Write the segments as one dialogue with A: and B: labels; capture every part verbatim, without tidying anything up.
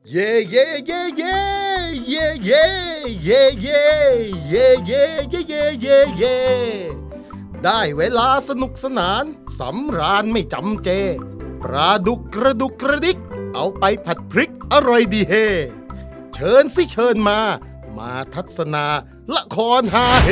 A: เย่เย่เย่เย่เย่เย่เย่เย่เย่เย่เย่เย่เย่เย่ได้เวลาสนุกสนานสำราญไม่จำเจปลาดุกกระดุกกระดิกเอาไปผัดพริกอร่อยดีเฮเชิญสิเชิญมามาทัศนาละครฮาเฮ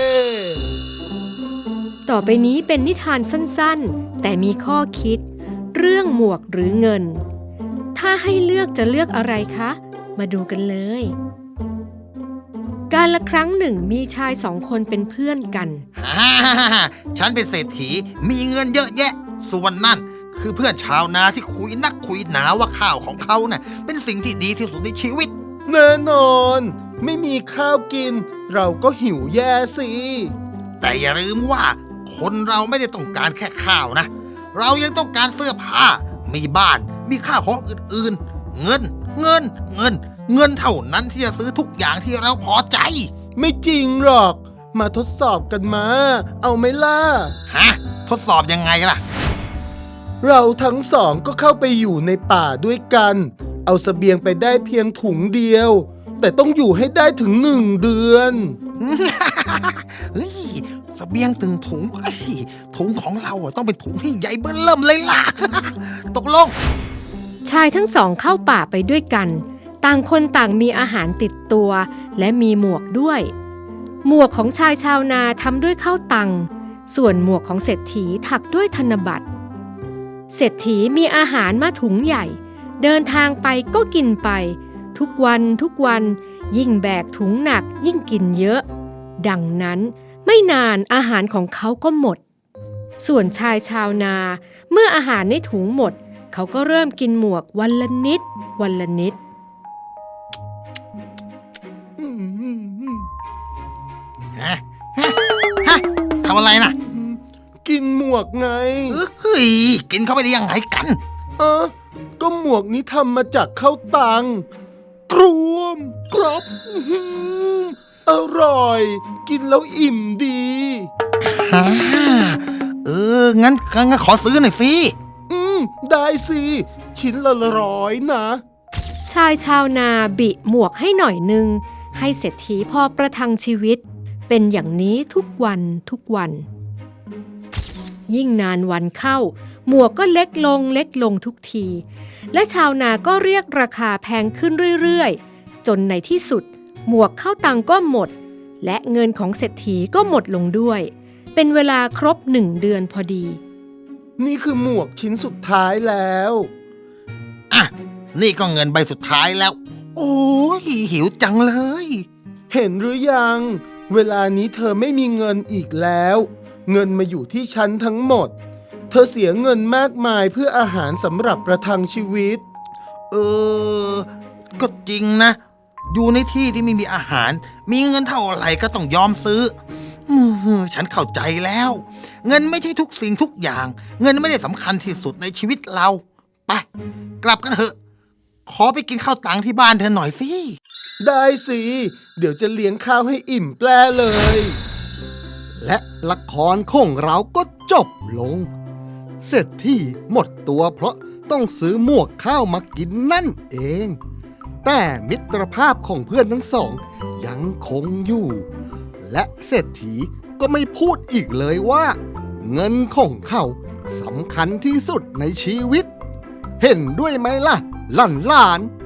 B: ต่อไปนี้เป็นนิทานสั้นๆแต่มีข้อคิดเรื่องหมวกหรือเงินถ้าให้เลือกจะเลือกอะไรคะมาดูกันเลยกาลครั้งหนึ่งมีชายสองคนเป็นเพื่อนกัน
C: ฮ่าฉันเป็นเศรษฐีมีเงินเยอะแยะส่วนนั่นคือเพื่อนชาวนาที่คุยนักคุยหนาว่าข้าวของเขาน่ะเป็นสิ่งที่ดีที่สุดในชีวิต
A: แน่นอนไม่มีข้าวกินเราก็หิวแย่สิ
C: แต่อย่าลืมว่าคนเราไม่ได้ต้องการแค่ข้าวนะเรายังต้องการเสื้อผ้ามีบ้านมีข้าวของอื่นๆเงินเงินเงินเงินเท่านั้นที่จะซื้อทุกอย่างที่เราพอใจ
A: ไม่จริงหรอกมาทดสอบกันมาเอาไหมล่ะ
C: ฮะทดสอบยังไงล่ะ
A: เราทั้งสองก็เข้าไปอยู่ในป่าด้วยกันเอาเสบียงไปได้เพียงถุงเดียวแต่ต้องอยู่ให้ได้ถึงหนึ่งเดือน
C: เฮ้ยเสบียงถึงถุงถุงของเราต้องเป็นถุงที่ใหญ่เบ้อเริ่มเลยล่ะตกลง
B: ชายทั้งสองเข้าป่าไปด้วยกันต่างคนต่างมีอาหารติดตัวและมีหมวกด้วยหมวกของชายชาวนาทำด้วยข้าวตังส่วนหมวกของเศรษฐีถักด้วยธนบัตรเศรษฐีมีอาหารมาถุงใหญ่เดินทางไปก็กินไปทุกวันทุกวันยิ่งแบกถุงหนักยิ่งกินเยอะดังนั้นไม่นานอาหารของเขาก็หมดส่วนชายชาวนาเมื่ออาหารในถุงหมดเขาก็เริ่มกินหมวกวันละนิดวันละนิด
C: ฮะฮะทำอะไรนะ
A: กินหมวกไง
C: เฮ้ยกินเข้าไปได้ยังไงกัน
A: เออก็หมวกนี้ทำมาจากข้าวตังกรวมกรอบอร่อยกินแล้วอิ่มดี
C: ฮ่าเอองั้นงั้นขอซื้อหน่อยสิ
A: อืมได้สิชิ้นละร้อยนะ
B: ชายชาวนาบิหมวกให้หน่อยนึงให้เศรษฐีพอประทังชีวิตเป็นอย่างนี้ทุกวันทุกวันยิ่งนานวันเข้าหมวกก็เล็กลงเล็กลงทุกทีและชาวนาก็เรียกราคาแพงขึ้นเรื่อยๆจนในที่สุดหมวกข้าวตังก็หมดและเงินของเศรษฐีก็หมดลงด้วยเป็นเวลาครบหนึ่งเดือนพอดี
A: นี่คือหมวกชิ้นสุดท้ายแล้ว
C: อ่ะนี่ก็เงินใบสุดท้ายแล้วโอ้ยหิวจังเลย
A: เห็นหรือยังเวลานี้เธอไม่มีเงินอีกแล้วเงินมาอยู่ที่ฉันทั้งหมดเธอเสียเงินมากมายเพื่ออาหารสำหรับประทังชีวิต
C: เออก็จริงนะอยู่ในที่ที่ไม่มีอาหารมีเงินเท่าไหร่ก็ต้องยอมซื้อฉันเข้าใจแล้วเงินไม่ใช่ทุกสิ่งทุกอย่างเงินไม่ได้สำคัญที่สุดในชีวิตเราไปกลับกันเถอะขอไปกินข้าวตังที่บ้านเธอหน่อยสิ
A: ได้สิเดี๋ยวจะเลี้ยงข้าวให้อิ่มแปรเลย
D: และละครของเราก็จบลงเศรษฐีหมดตัวเพราะต้องซื้อหมวกข้าวมากินนั่นเองแต่มิตรภาพของเพื่อนทั้งสองยังคงอยู่และเศรษฐีก็ไม่พูดอีกเลยว่าเงินของเขาสำคัญที่สุดในชีวิตเห็นด้วยไหมล่ะหลานๆ